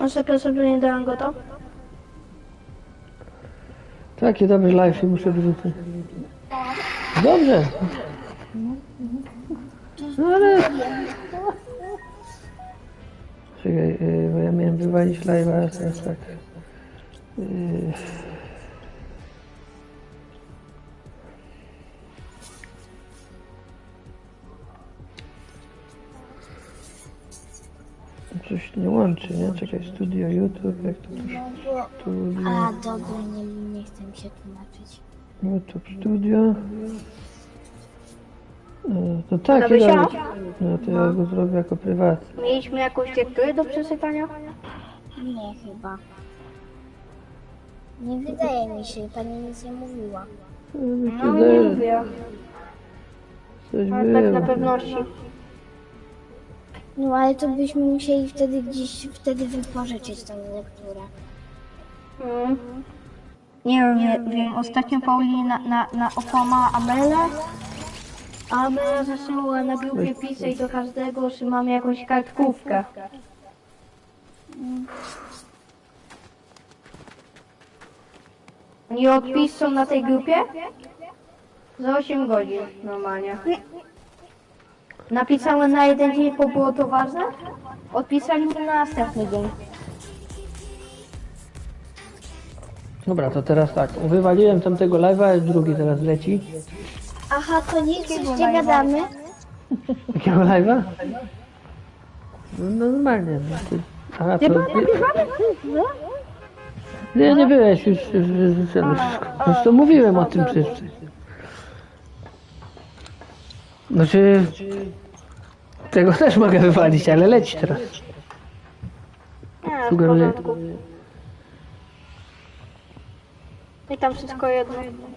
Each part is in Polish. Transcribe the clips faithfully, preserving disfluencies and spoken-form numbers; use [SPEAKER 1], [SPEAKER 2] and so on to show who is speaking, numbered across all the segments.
[SPEAKER 1] A sekret, że nie dałem go to?
[SPEAKER 2] Taki dobry live i muszę wyrzucić. Dobrze. No ale... Czekaj, yy, bo ja miałem wywalić live'a, a teraz tak. Yy... Coś nie łączy, nie? Czekaj, studio, YouTube, jak to już... Studio...
[SPEAKER 3] A, dobra, nie, nie chcę mi się tłumaczyć.
[SPEAKER 2] YouTube Studio. No, to tak,
[SPEAKER 1] Nabysia?
[SPEAKER 2] no to ja go zrobię jako prywatny.
[SPEAKER 1] Mieliśmy jakąś tekturę do przesypania?
[SPEAKER 3] Nie, chyba. Nie wydaje mi się, pani nic nie mówiła.
[SPEAKER 1] No nie lubię,
[SPEAKER 2] Coś
[SPEAKER 1] ale tak na
[SPEAKER 2] było.
[SPEAKER 1] pewności.
[SPEAKER 3] No ale to byśmy musieli wtedy gdzieś wtedy wypożyczyć tą lekturę.
[SPEAKER 1] Mm. Nie wiem, nie, wiem, ostatnio Paulina na, na, na okłamała Amelę, a Amela zaczęła na grupie pisać do każdego, że mam jakąś kartkówkę. Nie odpisał na tej grupie? Za osiem godzin normalnie. Napisałem na jeden dzień, bo było to ważne. Odpisali mi na następny dzień.
[SPEAKER 2] Dobra, to teraz tak. Wywaliłem tamtego live'a, drugi teraz leci.
[SPEAKER 3] Aha, to nic, już nie gadamy.
[SPEAKER 2] Jakiego live'a? No normalnie. No, ty... Aha, to... Nie, nie byłeś już, już, już, już wszystko. Już to mówiłem o tym przecież. Znaczy... Tego też mogę wywalić, ale leci teraz.
[SPEAKER 1] Nie, w
[SPEAKER 2] Sugeruję.
[SPEAKER 1] porządku. I tam wszystko jedno.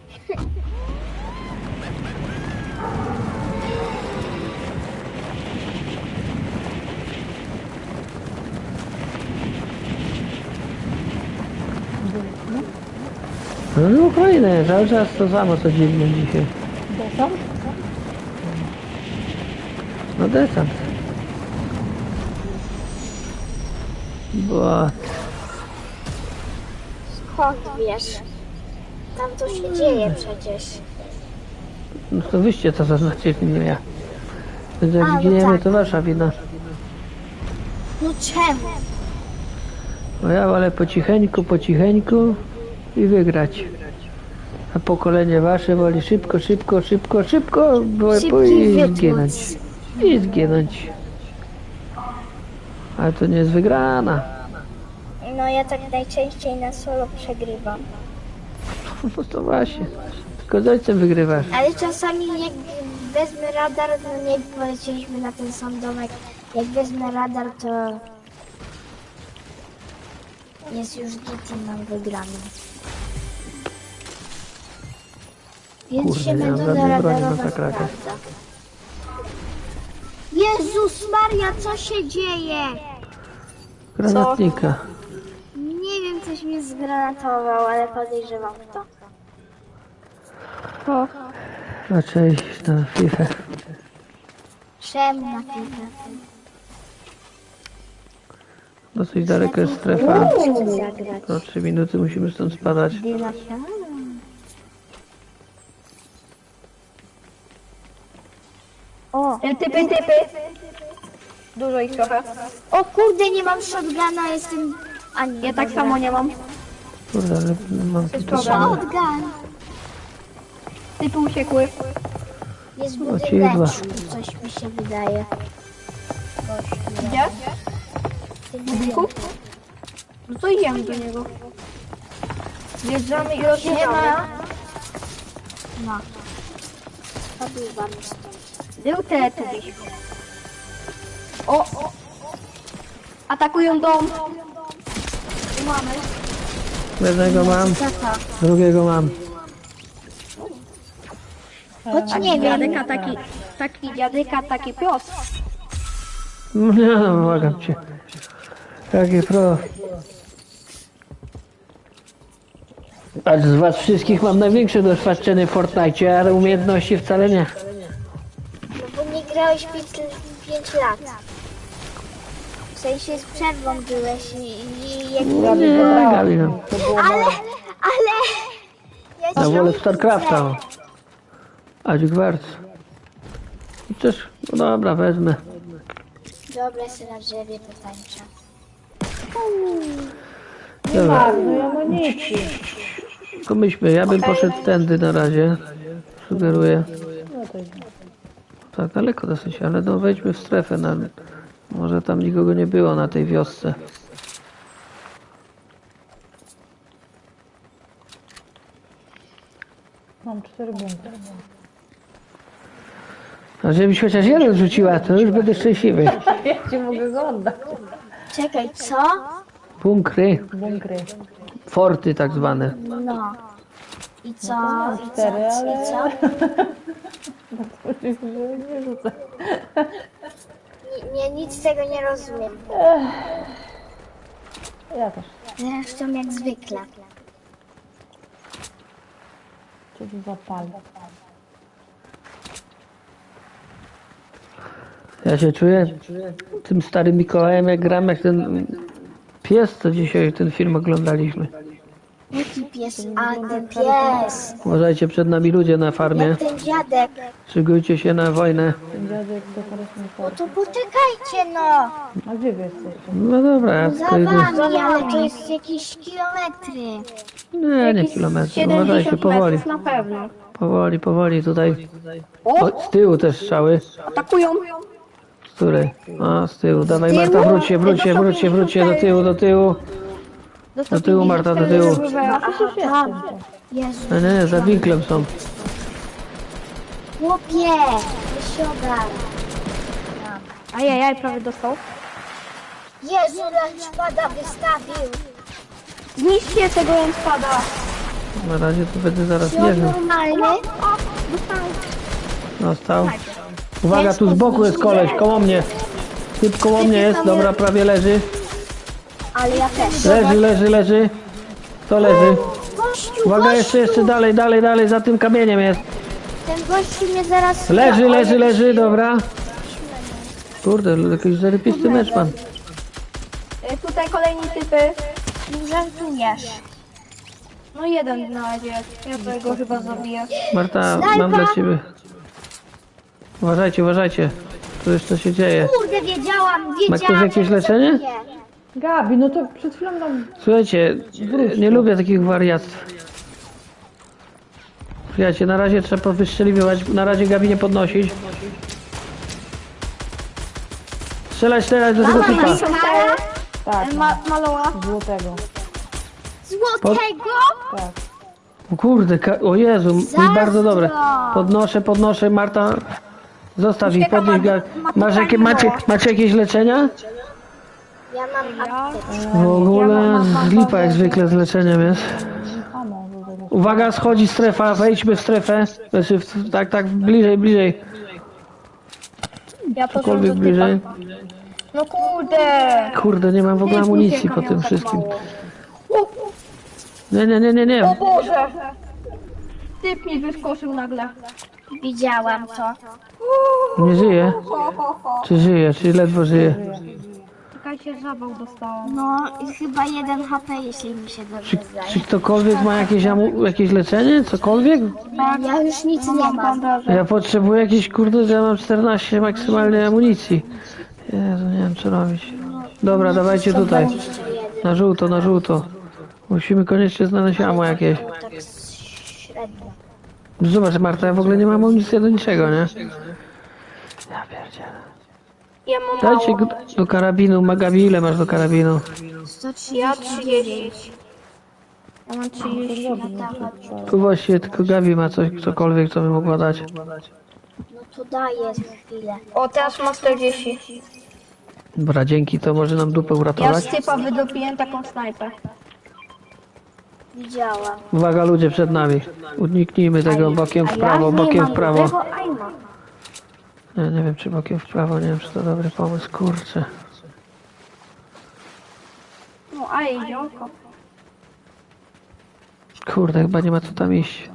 [SPEAKER 2] No, no fajne, cały czas to samo co dziwne dzisiaj.
[SPEAKER 1] Desant?
[SPEAKER 2] No desant. Bo...
[SPEAKER 3] Skąd wiesz? Tam to się dzieje przecież.
[SPEAKER 2] No to wyście to zaznaczyli, nie ja. Więc jak
[SPEAKER 3] A, no
[SPEAKER 2] giniemy,
[SPEAKER 3] tak.
[SPEAKER 2] to wasza wina.
[SPEAKER 3] No czemu?
[SPEAKER 2] No ja wolę po cicheńku, po cicheńku i wygrać. A pokolenie wasze woli szybko, szybko, szybko, szybko, bo
[SPEAKER 3] Szybciej
[SPEAKER 2] i
[SPEAKER 3] wytłuc.
[SPEAKER 2] zginąć. I zginąć. Ale to nie jest wygrana.
[SPEAKER 3] No ja tak najczęściej na solo przegrywam.
[SPEAKER 2] No to właśnie. Tylko z ojcem wygrywasz.
[SPEAKER 3] Ale czasami jak wezmę radar, no nie polecieliśmy na ten sam domek. Jak wezmę radar, to jest już git i mam wygraną. Więc
[SPEAKER 2] Kurde,
[SPEAKER 3] się
[SPEAKER 2] nie mam
[SPEAKER 3] metoda
[SPEAKER 2] żadnej broni na
[SPEAKER 3] radarowa
[SPEAKER 2] takrakę.
[SPEAKER 3] sprawdza. Jezus Maria, co się dzieje?
[SPEAKER 2] Granatnika.
[SPEAKER 3] Nie wiem, coś mnie zgranatował, ale podejrzewam kto.
[SPEAKER 1] O,
[SPEAKER 2] Raczej iść na FIFA.
[SPEAKER 3] Czemu na piłkę?
[SPEAKER 2] Dosyć daleko jest strefa.
[SPEAKER 3] Chcę zagrać.
[SPEAKER 2] To trzy minuty musimy stąd spadać.
[SPEAKER 3] O,
[SPEAKER 1] typy, typy. Dużo ich trochę.
[SPEAKER 3] o kurde, nie mam shotguna, jestem... A nie,
[SPEAKER 1] Ja tak
[SPEAKER 3] dobra.
[SPEAKER 1] samo nie mam.
[SPEAKER 2] Kurde, ale mam tu to samo.
[SPEAKER 3] Shotgun!
[SPEAKER 1] Typy uciekły.
[SPEAKER 3] Jest w
[SPEAKER 2] O, ci dwa.
[SPEAKER 3] budyneczku, coś mi się wydaje.
[SPEAKER 1] Gdzie?
[SPEAKER 3] W tym budynku.
[SPEAKER 1] No to idziemy do niego. Wjeżdżamy i rozjeżdżamy.
[SPEAKER 3] No. Podływamy stąd.
[SPEAKER 1] Był teletubiś. O! o. Atakują dom. Tu mamy.
[SPEAKER 2] Jednego mam,
[SPEAKER 3] Tata,
[SPEAKER 2] drugiego mam.
[SPEAKER 3] choć nie wiem.
[SPEAKER 1] Dziadyka taki, taki dziadyka, taki pios.
[SPEAKER 2] No nie no, błagam cię. Jakie pro. A z was wszystkich mam największe doświadczenie w Fortnite, ale umiejętności wcale nie.
[SPEAKER 3] No bo nie grałeś pięć lat. W sensie z przerwą byłeś i, i jak...
[SPEAKER 2] Nie, Gabi, no.
[SPEAKER 3] Ale, ale... Ja
[SPEAKER 2] Ja
[SPEAKER 3] cię
[SPEAKER 2] wolę
[SPEAKER 3] widzę.
[SPEAKER 2] StarCrafta. A Dźgwarc. I też, no dobra, wezmę.
[SPEAKER 3] Dobra, się na drzewie potańczę.
[SPEAKER 2] Dobra,
[SPEAKER 4] No amunicji.
[SPEAKER 2] tylko myślmy, ja bym poszedł tędy na razie. Sugeruję.
[SPEAKER 4] No to
[SPEAKER 2] Tak, daleko dosyć, ale no wejdźmy w strefę. Na... Może tam nikogo nie było na tej wiosce.
[SPEAKER 4] mam cztery bunkry.
[SPEAKER 2] A żebyś chociaż jeden rzuciła, to już będę szczęśliwy.
[SPEAKER 4] Ja ci mogę go oddać.
[SPEAKER 3] Czekaj, co?
[SPEAKER 2] Bunkry,
[SPEAKER 4] Bunkry.
[SPEAKER 2] forty tak zwane.
[SPEAKER 3] No. I co? I co?
[SPEAKER 4] Cztery, ale...
[SPEAKER 3] I co?
[SPEAKER 4] Nie rzucę.
[SPEAKER 3] Nie, nic z tego nie rozumiem.
[SPEAKER 4] Ja też.
[SPEAKER 3] Zresztą jak zwykle.
[SPEAKER 4] Cię tu zapalę.
[SPEAKER 2] Ja się czuję tym starym Mikołajem, jak gram, jak ten pies, co dzisiaj ten film oglądaliśmy.
[SPEAKER 3] Jaki pies? A, ten pies.
[SPEAKER 2] Uważajcie, przed nami ludzie na farmie.
[SPEAKER 3] Jak ten dziadek.
[SPEAKER 2] Szykujcie się na wojnę.
[SPEAKER 4] Ten dziadek to teraz nie
[SPEAKER 3] No
[SPEAKER 4] chodzi.
[SPEAKER 3] to poczekajcie no.
[SPEAKER 4] A gdzie wy jesteście?
[SPEAKER 2] No dobra, ja
[SPEAKER 3] Za
[SPEAKER 2] tylko idę.
[SPEAKER 3] wami, ale to jest jakieś kilometry.
[SPEAKER 2] Nie, nie kilometry. Uważajcie,
[SPEAKER 1] siedemdziesiąt
[SPEAKER 2] powoli.
[SPEAKER 1] metrów na pewno.
[SPEAKER 2] Powoli, powoli tutaj. O, z tyłu też strzały.
[SPEAKER 1] Atakują.
[SPEAKER 2] Z której? A, z tyłu. Dawaj Marta, wróć się, wróć się, wróć się, wróć się do tyłu, do tyłu. Do tyłu Marta, do tyłu.
[SPEAKER 3] Tam. Jezu.
[SPEAKER 2] Nie, nie, za winklem są.
[SPEAKER 3] Chłopie, wysiadaj.
[SPEAKER 1] Ajajaj, prawie dostał.
[SPEAKER 3] Jezu, lunchpada wystawił.
[SPEAKER 1] Zniszczcie tego spada.
[SPEAKER 2] Na razie tu będę zaraz
[SPEAKER 3] Czy on
[SPEAKER 2] mierzył.
[SPEAKER 3] normalny?
[SPEAKER 2] Dostał. Uwaga, tu z boku jest koleś, koło mnie. Typ koło mnie jest, dobra, prawie leży.
[SPEAKER 3] Ale ja też.
[SPEAKER 2] Leży, leży, leży. To leży.
[SPEAKER 3] Gościu,
[SPEAKER 2] Uwaga, jeszcze, jeszcze dalej, dalej, dalej, za tym kamieniem jest.
[SPEAKER 3] ten gościu mnie zaraz...
[SPEAKER 2] Leży, leży, leży, dobra. Kurde, jakiś zarypisty mecz pan.
[SPEAKER 1] Y, Tutaj kolejni typy.
[SPEAKER 3] Nie żartujesz.
[SPEAKER 1] No jeden na razie. Ja tego chyba zabiję.
[SPEAKER 2] Marta, mam dla ciebie. Uważajcie, uważajcie. Tu już co się dzieje.
[SPEAKER 3] Kurde, wiedziałam, wiedziałam.
[SPEAKER 2] Ma ktoś jakieś
[SPEAKER 3] że
[SPEAKER 2] leczenie?
[SPEAKER 3] zabiję.
[SPEAKER 4] Gabi, no to przed chwilą nam...
[SPEAKER 2] Słuchajcie, nie lubię takich wariactw. Słuchajcie, na razie trzeba wystrzeliwać, na razie Gabi nie podnosić. Strzelać, strzelać do tego typa.
[SPEAKER 3] Kara
[SPEAKER 4] Tak,
[SPEAKER 1] Ma maloła.
[SPEAKER 4] złotego.
[SPEAKER 3] złotego?
[SPEAKER 4] Tak.
[SPEAKER 2] O kurde, ka- o Jezu, mi bardzo dobre. Podnoszę, podnoszę, Marta. Zostaw ich, podnieś Gabi. Masz jakie, macie, macie jakieś leczenia?
[SPEAKER 3] Ja mam apteczkę.
[SPEAKER 2] W ogóle z lipa jak zwykle z leczeniem jest.
[SPEAKER 4] Amo, złotego.
[SPEAKER 2] Uwaga, schodzi strefa, wejdźmy w strefę. Znaczy, w, tak, tak, bliżej, bliżej.
[SPEAKER 1] Ja poszłam
[SPEAKER 2] Cokolwiek
[SPEAKER 1] do
[SPEAKER 2] bliżej.
[SPEAKER 1] typa. No kurde.
[SPEAKER 2] Kurde, nie mam w ogóle amunicji po tym wszystkim. Nie, nie, nie, nie, nie.
[SPEAKER 1] O Boże. Typ mi wyskoczył nagle.
[SPEAKER 3] Widziałam to.
[SPEAKER 2] Nie żyje.
[SPEAKER 1] Ho, ho, ho.
[SPEAKER 2] Czy żyje, czy ledwo żyje.
[SPEAKER 1] Czekajcie, zawał dostałam.
[SPEAKER 3] No i chyba jeden H P, jeśli mi się dobrze
[SPEAKER 2] Czy
[SPEAKER 3] zdaje.
[SPEAKER 2] ktokolwiek ma jakieś, amu- jakieś leczenie? Cokolwiek?
[SPEAKER 3] Ja już nic nie mam.
[SPEAKER 2] Ja potrzebuję jakieś, kurde, ja mam czternaście maksymalnej amunicji. Jezu, nie wiem co robić. Dobra, dawajcie tutaj. Na żółto, na żółto. Musimy koniecznie znaleźć amo jakieś.
[SPEAKER 3] Tak średnio.
[SPEAKER 2] Zobacz Marta, ja w ogóle nie mam amunicji do niczego, nie? Ja pierdzielę.
[SPEAKER 1] Ja mam
[SPEAKER 2] Dajcie
[SPEAKER 1] mało.
[SPEAKER 2] go do karabinu. Magabi, ile masz do karabinu?
[SPEAKER 3] sto
[SPEAKER 1] Ja
[SPEAKER 3] trzydzieści
[SPEAKER 1] trzydzieści. Ja mam trzydzieści.
[SPEAKER 2] Tu właściwie tylko Gabi ma coś, cokolwiek, co by mogła dać.
[SPEAKER 3] No to daję za chwilę.
[SPEAKER 1] O, teraz mam czterdzieści.
[SPEAKER 2] Dobra, dzięki, to może nam dupę
[SPEAKER 1] Ja z
[SPEAKER 2] uratować.
[SPEAKER 1] typa wydopiłem taką snajpę.
[SPEAKER 3] Widziałam.
[SPEAKER 2] Uwaga, ludzie przed nami. Uniknijmy tego bokiem w prawo, bokiem w prawo. Nie, nie wiem, czy bokiem w prawo, nie wiem, czy to dobry pomysł, kurczę.
[SPEAKER 1] No, a jeziorko.
[SPEAKER 2] Kurde, chyba nie ma co tam iść.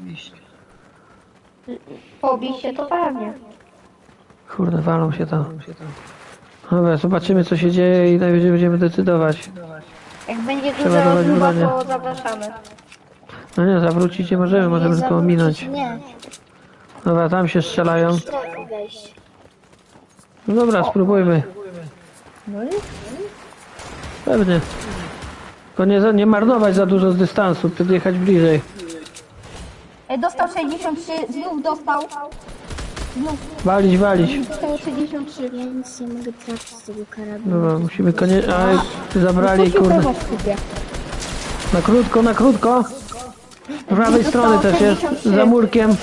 [SPEAKER 1] Pobij się to pewnie.
[SPEAKER 2] Kurde, walą się tam. Dobra, zobaczymy co się dzieje i najwyżej będziemy decydować.
[SPEAKER 1] Jak będzie
[SPEAKER 2] Trzeba
[SPEAKER 1] duża
[SPEAKER 2] dawać
[SPEAKER 1] rozmowa,
[SPEAKER 2] bronię.
[SPEAKER 1] to zapraszamy.
[SPEAKER 2] No nie, zawrócić nie możemy, możemy
[SPEAKER 3] Nie
[SPEAKER 2] tylko ominąć.
[SPEAKER 3] zawrócić, Nie,
[SPEAKER 2] Dobra, tam się strzelają.
[SPEAKER 3] strefy wejść.
[SPEAKER 2] No dobra, spróbujmy.
[SPEAKER 4] No i
[SPEAKER 2] Pewnie. Tylko nie, za- nie marnować za dużo z dystansu, podjechać bliżej.
[SPEAKER 1] E, Dostał sześćdziesiąt trzy, znów dostał.
[SPEAKER 2] Walić, walić.
[SPEAKER 1] Dostał sześćdziesiąt trzy.
[SPEAKER 3] Ja nic nie mogę trafić z tego karabinu.
[SPEAKER 2] Dobra, musimy koniecznie... A, zabrali,
[SPEAKER 4] puścił
[SPEAKER 2] kurde.
[SPEAKER 4] pewno w skupie.
[SPEAKER 2] Na krótko, na krótko. Z prawej strony też jest, za murkiem.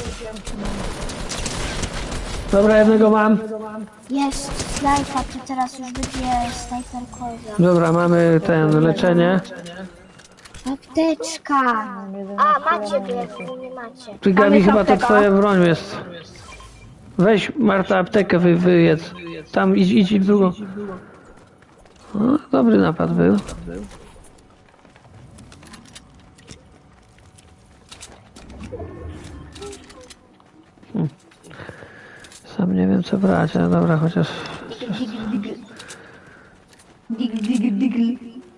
[SPEAKER 2] Dobra, jednego mam.
[SPEAKER 3] Jest snajpa, to teraz już będzie snajper koza.
[SPEAKER 2] Dobra, mamy ten, leczenie.
[SPEAKER 3] Apteczka! A, macie, bo jak wy nie macie.
[SPEAKER 2] Ty,
[SPEAKER 1] Tam
[SPEAKER 2] Gabi,
[SPEAKER 1] jest
[SPEAKER 2] chyba to
[SPEAKER 1] apteka.
[SPEAKER 2] twoja broń jest. Weź, Marta, aptekę wy, wyjedz. Tam idź, idź w drugą. O, dobry napad był. Hmm. Sam nie wiem co brać, ale dobra, chociaż...
[SPEAKER 1] Digl, digl, digl.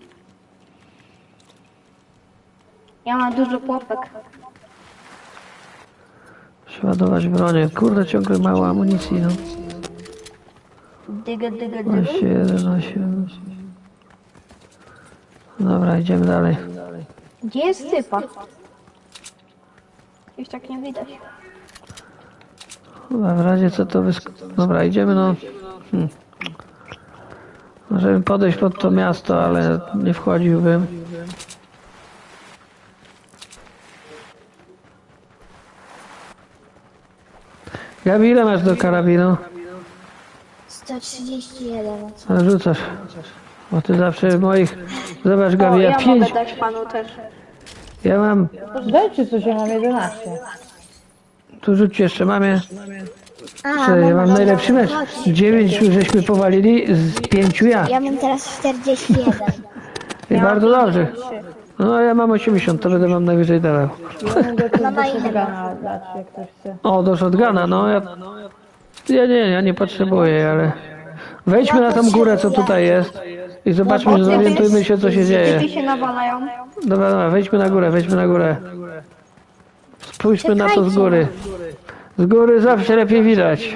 [SPEAKER 1] Ja mam dużo pułapek.
[SPEAKER 2] Przeładować bronię. Kurde, ciągle mało amunicji, no.
[SPEAKER 1] Digl, digl, digl.
[SPEAKER 2] dwanaście, jedenaście. Dobra, idziemy dalej.
[SPEAKER 1] Gdzie jest typa? Już tak nie widać.
[SPEAKER 2] Dobra, w razie co to wysk... Dobra, idziemy no... Hmm. Możemy podejść pod to miasto, ale nie wchodziłbym. Gabi, ile masz do karabinu?
[SPEAKER 3] sto trzydzieści jeden.
[SPEAKER 2] Ale rzucasz. Bo ty zawsze moich... Zobacz, Gabi,
[SPEAKER 1] O,
[SPEAKER 2] ja
[SPEAKER 1] ja
[SPEAKER 2] pięć...
[SPEAKER 1] mogę dać panu też.
[SPEAKER 2] Ja mam...
[SPEAKER 4] Dajcie coś, ja mam jedenaście.
[SPEAKER 2] Tu rzuć jeszcze, mamie.
[SPEAKER 3] A,
[SPEAKER 2] Czy ja mam
[SPEAKER 3] mam
[SPEAKER 2] najlepszy mecz. Dziewięć żeśmy powalili, z pięciu ja.
[SPEAKER 3] Ja mam teraz czterdzieści jeden.
[SPEAKER 2] I bardzo dobrze. No ja mam osiemdziesiąt, to będę wam najwyżej dawał.
[SPEAKER 4] Ja mogę tu
[SPEAKER 3] Mama,
[SPEAKER 4] do
[SPEAKER 3] ile
[SPEAKER 4] shotguna dać, jak ktoś chce.
[SPEAKER 2] O, do shotguna, no ja... Ja nie, ja nie potrzebuję, ale... Wejdźmy na tą górę, co tutaj jest. I zobaczmy, zorientujmy się, co się dzieje.
[SPEAKER 1] Typy się nawalają.
[SPEAKER 2] Dobra, dobra, wejdźmy na górę, wejdźmy na górę. Spójrzmy na to z góry. Z góry zawsze lepiej widać.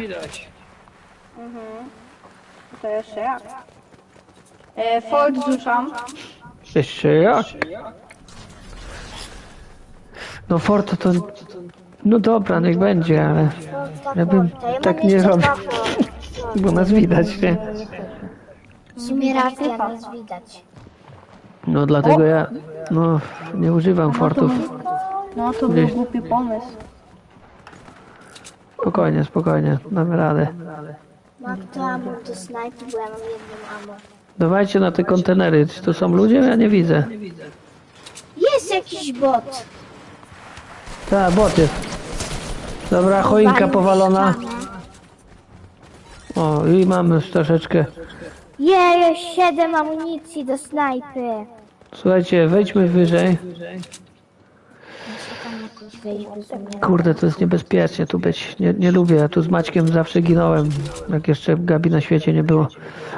[SPEAKER 1] To jeszcze jak? E, Ford rzucam.
[SPEAKER 2] Jeszcze jak? No Fort to... No dobra, niech będzie, ale... Ja bym tak nie robił. Bo nas widać, nie?
[SPEAKER 3] W sumie racja, nas widać.
[SPEAKER 2] No dlatego ja... No, nie używam Fortów.
[SPEAKER 1] No to był głupi pomysł.
[SPEAKER 2] Spokojnie, spokojnie, damy radę.
[SPEAKER 3] Mam to ammo do snajpy, bo ja mam jedną ammo.
[SPEAKER 2] Dawajcie na te kontenery. Czy to są ludzie? Ja nie widzę.
[SPEAKER 3] Jest jakiś bot.
[SPEAKER 2] Tak, bot jest. Dobra, choinka powalona. O, i mamy już troszeczkę.
[SPEAKER 3] Jej, siedem amunicji do snajpy.
[SPEAKER 2] Słuchajcie, wejdźmy wyżej.
[SPEAKER 3] Tam jakoś wejść bez mnie.
[SPEAKER 2] Kurde, to jest niebezpiecznie tu być. Nie, nie lubię, ja tu z Maćkiem zawsze ginąłem. Jak jeszcze Gabi na świecie nie było.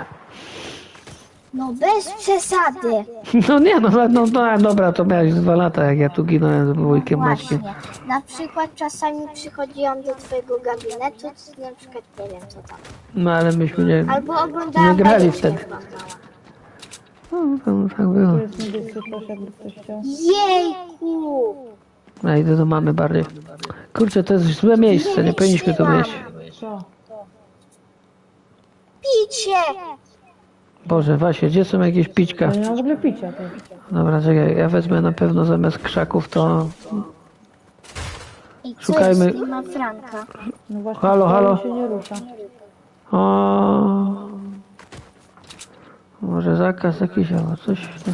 [SPEAKER 3] No bez przesady.
[SPEAKER 2] No nie, no, no, no dobra, to miałeś dwa lata, jak ja tu ginąłem z wujkiem Maćkiem.
[SPEAKER 3] Właśnie. Na przykład czasami przychodziłam do twojego gabinetu, to na przykład nie wiem co tam.
[SPEAKER 2] No ale myśmy nie...
[SPEAKER 3] Albo oglądałam
[SPEAKER 2] Nie grali
[SPEAKER 3] bajeczkę
[SPEAKER 2] wtedy.
[SPEAKER 3] oglądałam.
[SPEAKER 2] No, tam tak było.
[SPEAKER 4] Tu jest niebieski proszę, jakby ktoś chciał.
[SPEAKER 3] Jejku!
[SPEAKER 2] Ja idę do mamy bardziej. Kurczę, to jest złe miejsce, nie powinniśmy tu być.
[SPEAKER 4] Co?
[SPEAKER 3] Picie!
[SPEAKER 2] Boże, Wasie, gdzie są jakieś pićka?
[SPEAKER 4] Ja nie mam w ogóle picia. To.
[SPEAKER 2] Dobra, czekaj, ja wezmę na pewno zamiast krzaków to...
[SPEAKER 3] I co
[SPEAKER 2] Szukajmy-
[SPEAKER 3] jest? Nie ma Franka.
[SPEAKER 4] No właśnie,
[SPEAKER 2] Halo,
[SPEAKER 4] to
[SPEAKER 2] halo.
[SPEAKER 4] się nie rusza.
[SPEAKER 2] O... Może zakaz jakiś albo coś. No,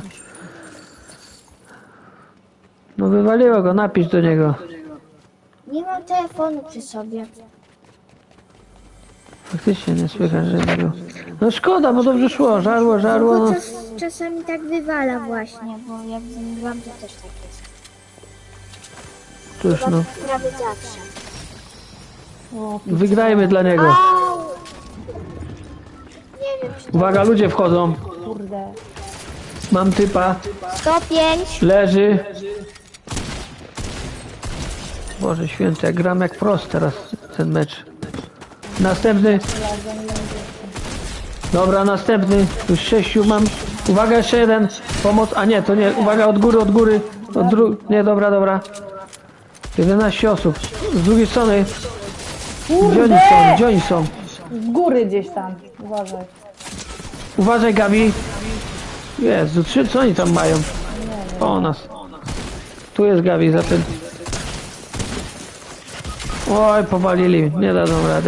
[SPEAKER 2] no wywaliło go, napisz do niego.
[SPEAKER 3] Nie mam telefonu przy sobie.
[SPEAKER 2] Faktycznie nie słychać, że nie było. No szkoda, bo dobrze szło, żarło, żarło.
[SPEAKER 3] Bo
[SPEAKER 2] No.
[SPEAKER 3] czas, czasami tak wywala właśnie, bo jak z nim gram, to też tak jest.
[SPEAKER 2] Cóż no,
[SPEAKER 3] Prawie zawsze.
[SPEAKER 4] O,
[SPEAKER 2] wygrajmy dla niego.
[SPEAKER 3] Au! nie wiem, czy to
[SPEAKER 2] Uwaga, ludzie wchodzą.
[SPEAKER 4] Kurde.
[SPEAKER 2] Mam typa.
[SPEAKER 3] sto pięć.
[SPEAKER 2] Leży. Boże święty, jak gram jak prost teraz ten mecz. Następny. Dobra, następny. Już sześciu mam. Uwaga, jeszcze jeden. Pomoc. A nie, to nie. Uwaga, od góry, od góry. Od dru... Nie, dobra, dobra. jedenaście osób. Z drugiej strony. Gdzie oni są? Gdzie oni są?
[SPEAKER 4] Z góry gdzieś tam. Uważaj.
[SPEAKER 2] Uważaj, Gabi. Jezu, trzy, co oni tam mają? O nas. Tu jest Gabi za tym. Oj, powalili. Nie dadzą rady.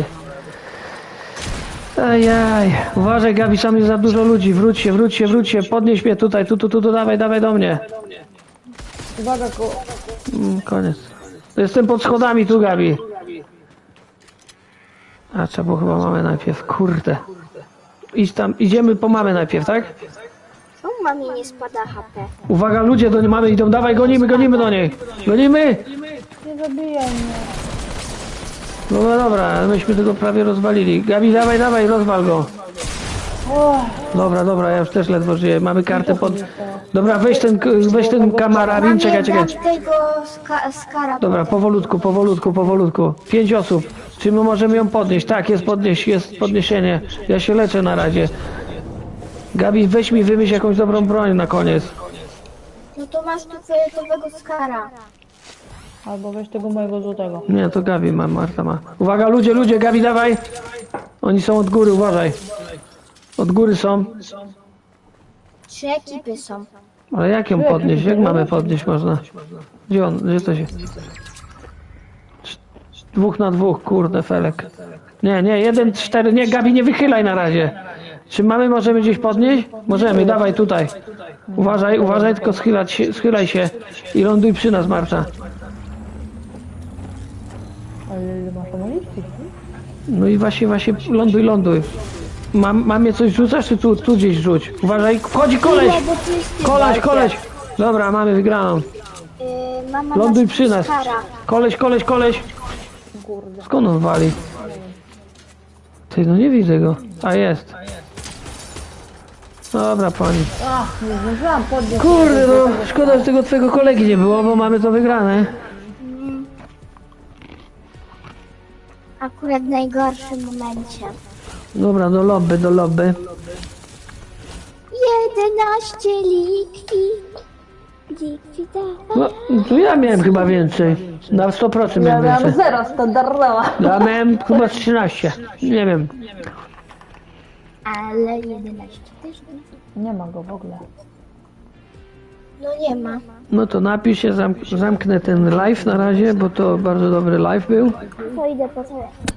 [SPEAKER 2] Ajaj. Uważaj, Gabi, tam jest za dużo ludzi. Wróć się, wróć się, wróć się. Podnieś mnie tutaj, tu, tu, tu, tu, dawaj, dawaj do mnie.
[SPEAKER 4] Uwaga, ko...
[SPEAKER 2] Mm, koniec. Jestem pod schodami tu, Gabi. A trzeba było chyba mamę najpierw. Kurde. Idź tam, idziemy po mamę najpierw, tak?
[SPEAKER 3] Czemu mamie nie spada H P?
[SPEAKER 2] Uwaga, ludzie do niej mamy idą, dawaj, gonimy, gonimy do niej. Gonimy!
[SPEAKER 4] Nie zabijaj mnie.
[SPEAKER 2] No dobra, myśmy tego prawie rozwalili. Gabi, dawaj, dawaj, rozwal go.
[SPEAKER 4] O,
[SPEAKER 2] Dobra, dobra, ja już też ledwo żyję. Mamy kartę pod... Dobra, weź ten, weź ten kamarabin, czekaj, czekaj.
[SPEAKER 3] Dam tego ska skara.
[SPEAKER 2] Dobra, powolutku, powolutku, powolutku. Pięć osób. Czy my możemy ją podnieść? Tak, jest podnieś, jest podniesienie. Ja się leczę na razie. Gabi, weź mi wymyśl jakąś dobrą broń na koniec.
[SPEAKER 3] No to masz tu fioletowego skara.
[SPEAKER 4] albo weź tego mojego złotego.
[SPEAKER 2] Nie, to Gabi ma, Marta ma. Uwaga, ludzie, ludzie, Gabi, dawaj! Oni są od góry, uważaj. Od góry są.
[SPEAKER 3] Trzy ekipy są.
[SPEAKER 2] Ale jak ją podnieść? Jak mamy podnieść można? Gdzie on? Gdzie to się... Dwóch na dwóch, kurde, Felek. Nie, nie, jeden, cztery, nie, Gabi, nie wychylaj na razie. Czy mamy, możemy gdzieś podnieść? Możemy, dawaj tutaj. Uważaj, uważaj, tylko schylać się, schylaj się i ląduj przy nas, Marta.
[SPEAKER 4] Ale ile masz amunicji?
[SPEAKER 2] No i właśnie, właśnie, ląduj, ląduj. Mam, mamie coś rzucasz, czy tu, tu gdzieś rzuć? Uważaj, wchodzi koleś!
[SPEAKER 3] No, bo tu jest
[SPEAKER 2] Koleś, koleś! Dobra, mamy wygraną.
[SPEAKER 3] Yy, mama
[SPEAKER 2] Ląduj
[SPEAKER 3] ma
[SPEAKER 2] przy nas.
[SPEAKER 3] skara.
[SPEAKER 2] Koleś, koleś, koleś!
[SPEAKER 4] Kurde.
[SPEAKER 2] Skąd on wali? Ty, no nie widzę go. A jest. Dobra, pani.
[SPEAKER 4] Ach, nie zdążyłam podnieść.
[SPEAKER 2] Kurde, no, szkoda, że tego twojego kolegi nie było, bo mamy to wygrane.
[SPEAKER 3] Akurat w najgorszym momencie.
[SPEAKER 2] Dobra, do lobby, do lobby.
[SPEAKER 3] jedenaście likwi. Likwidata.
[SPEAKER 2] No, tu ja miałem chyba więcej. Na sto procent
[SPEAKER 4] Ja
[SPEAKER 2] miałem
[SPEAKER 4] miałam
[SPEAKER 2] więcej.
[SPEAKER 4] zero standardowa.
[SPEAKER 2] Ja miałem chyba trzynaście. Nie wiem.
[SPEAKER 3] Ale jedenaście też nie.
[SPEAKER 4] Nie ma go w ogóle.
[SPEAKER 3] No nie ma.
[SPEAKER 2] No to napisz się, zamk zamknę ten live na razie, bo to bardzo dobry live był.
[SPEAKER 3] To idę po telefon.